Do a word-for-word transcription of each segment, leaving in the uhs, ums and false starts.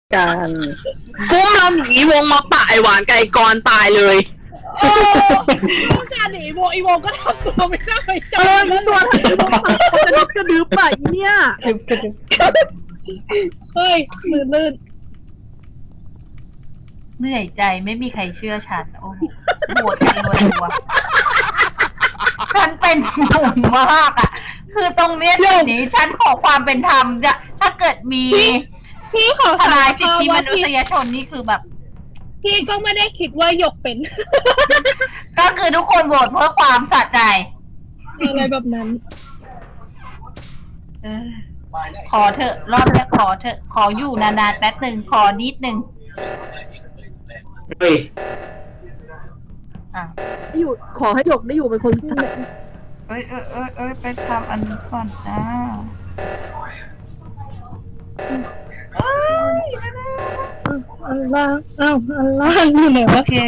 กันกุ้มเราหนีวงมาป่าไอหวานไก่กรตายเลยต้องการหนีโวอีโวก็ทำตัวไม่กล้าไปจับเออตัวกระดึบกระดึบป่ะอีเนี่ยเฮ้ยมือลื่นเหนื่อยใจไม่มีใครเชื่อฉันโอ้โหโหดจริงวันตัวฉันเป็นห่วงมากอ่ะคือตรงเนี้ยเดี๋ยวนี้ฉันขอความเป็นธรรมจะถ้าเกิดมีพี่ขอทลายสิทธิมนุษยชนนี่คือแบบพี่ก็ไม่ได้คิดว่าหยกเป็นก็คือทุกคนโหวตเพื่อความสะใจอะไรแบบนั้นเออขอเถอะรอบนี้ขอเถอะขออยู่นานๆแป๊บหนึ่งขอนิดหนึ่งเฮ้ยอ่ะอยู่ขอให้หยกได้อยู่เป็นคนสุดท้ายเอ้ยเอ้ยเอ้ยเอ้ยไปทำอันนี้ก่อนจ้าเอ้ยอันล่างอ้าวอันล่างอยู่ไหนวะโอเค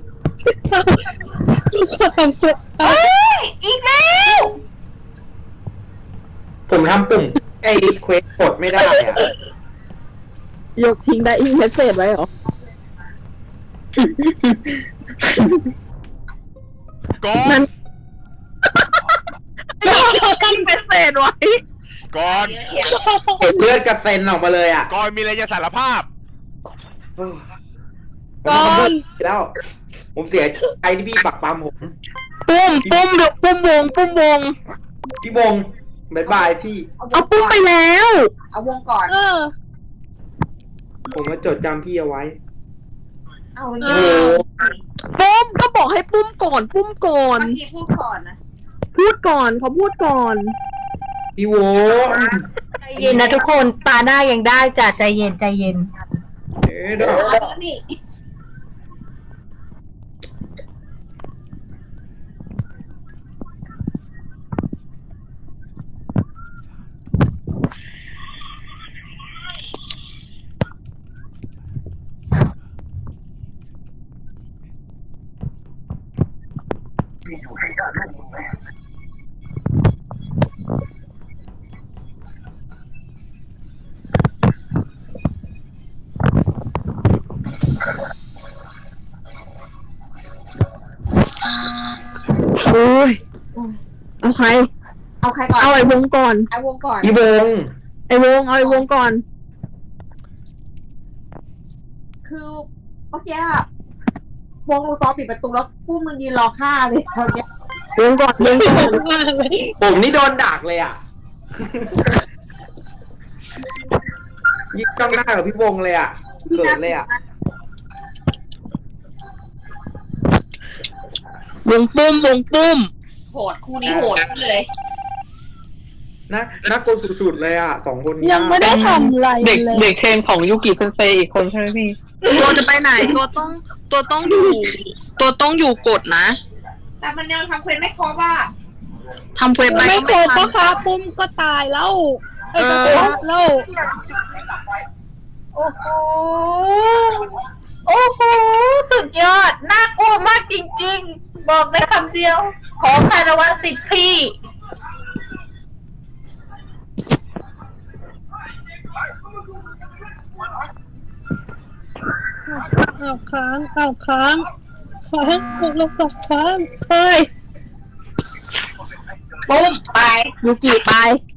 ทุกคนทำเสร็จเอ้ยอีกแล้วผมทำปุ่มไอ้เควสกดไม่ได้อะหยกทิ้งได้อีเมสเซจไว้เหรอก่อนทิ้งเมสเซจไว้ก่อนเห็นเลือดกระเซ็นออกมาเลยอ่ะก่อนมีอะไรจะสารภาพก่อนแล้ว ผมเสียใจที่พี่ปักปั๊มผมปุ้มปุ้มเดี๋ยวปุ้มวงปุ้มวงพี่วงบายบายพี่เอาปุ้มไปแล้วเอาวงก่อนเออผมมาจดจำพี่เอาไว้เอาโอ้ปุ้มก็บอกให้ปุ้มก่อนปุ้มก่อนเมื่อกี้พูดก่อนนะพูดก่อนเขาพูดก่อนพี่วงใจเย็นนะทุกคนตาหน้ายังได้จ้ะใจเย็นใจเย็นเอ๊ะดอกนี่อยู่ให้ได้ร่วมมือแม่โอ้ยเอาใครเอาใครก่อนเอาไอ้วงก่อนไอ้วงก่อนพี่วงไอ้วงเอาไอ้วงก่อนคือเมื่อกี้วงรอปิดประตูแล้วผู้มึงยืนรอฆ่าเลยเมื่อกี้วงก่อนวงก่อนผมนี่โดนดักเลยอ่ะยิ่งจ้องหน้ากับพี่วงเลยอ่ะเกิดเลยอ่ะวงปุ้มวงปุ้มโหดคู่นี้โหดเลยนะน่ากลัวสุดๆเลยอ่ะสองคนนี้ยังไม่ได้ทำอะไรเด็กเลยเด็กเทรนของยูกิเซนเซอีกคนใช่ไหมพี่ตัวจะไปไหนตัวต้องตัวต้องอยู่ตัวต้องอยู่กดนะแต่มันยังทำเควสไม่ครบอ่ะทำเควสไปไม่ครบก็ค่ะปุ้มก็ตายแล้วเออแล้วโอ้โหโอ้โหสุดยอดน่ากลัวมากจริงๆบอกได้คำเดียวขอคารวะสิทธิ์พี่เอาค้างเอาค้างค้างกดลงกับค้างเฮ้ยปุ้มไปยูกิไป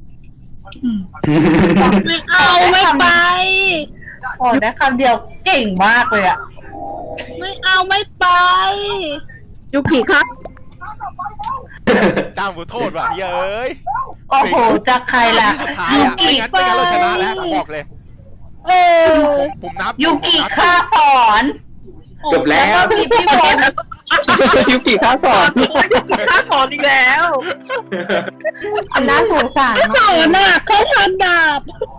ไม่เอาไม่ไปโอ้ได้คำเดียวเก่งมากเลยอ่ะไม่เอาไม่ไปยูกิครับจ้างผู้โทษว่ะเย้ยโอ้โหจากใครล่ะสุดท้ายอ่ะไม่งั้นไม่งั้นเราชนะแล้วบอกเลยเออผมนับยูกิฆ่าสอนจบแล้วพี่พี่บอลยูกิฆ่าสอนยูกิฆ่าสอนอีกแล้วอันน่าสงสารสอนน่ะเขาทำดาบ